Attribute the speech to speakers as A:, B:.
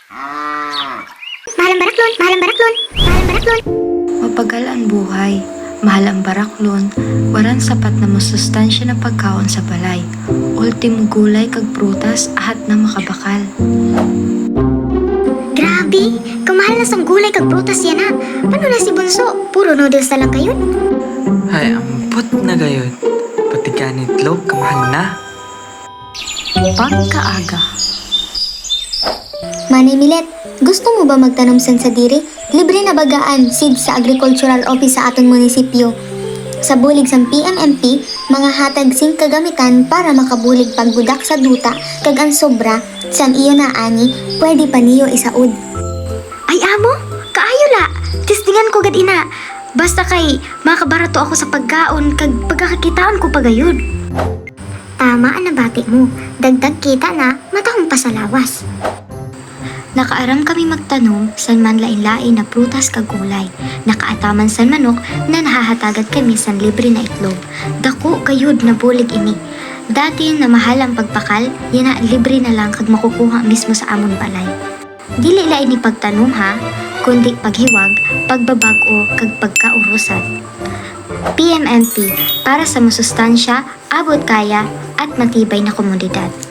A: Mahal ang baraklon, mahal ang baraklon, mahal ang baraklon.
B: Mapagal ang buhay, mahal ang baraklon, waran sapat na masustansya na pagkaon sa balay. Ultimo gulay kag prutas ahat na makabakal.
A: Grabe, kamahal na sang gulay kag prutas yan ha. Paano na si Bunso? Puro noodles na lang kayo?
C: Ay, ampot na gayon. Pati kanitlog, kamahal na.
B: Pagkaaga,
D: Manay Milet, gusto mo ba magtanom san sa diri? Libre na bagaan seed sa Agricultural Office sa aton munisipyo. Sa bulig sang PMMP, mga hatag sing kagamitan para makabulig pagbudak sa duta kag ang sobra sang iyo na ani, pwede pa niyo isaud.
A: Ay amo, kaayo la. Tistingan ko gad ina. Basta kay makabarato ako sa pagkaon kag pagkakakitaan ko pagayod. Tama ang nabati mo. Dagdag kita na, matahong pa sa lawas.
E: Nakaaram kami magtanom san man lain-lain na prutas kag gulay. Nakaataman san manok na nahahatagat kami san libre na itlog. Dako kayod na bulig ini. Dati na mahal ang pagpakal, yana libre na lang kag makukuha mismo sa amon balay. Dili lain ni pagtanom ha, kundi paghiwag, pagbabag-o kag pagkaurusan. PMMP para sa masustansya, abot kaya at matibay na komunidad.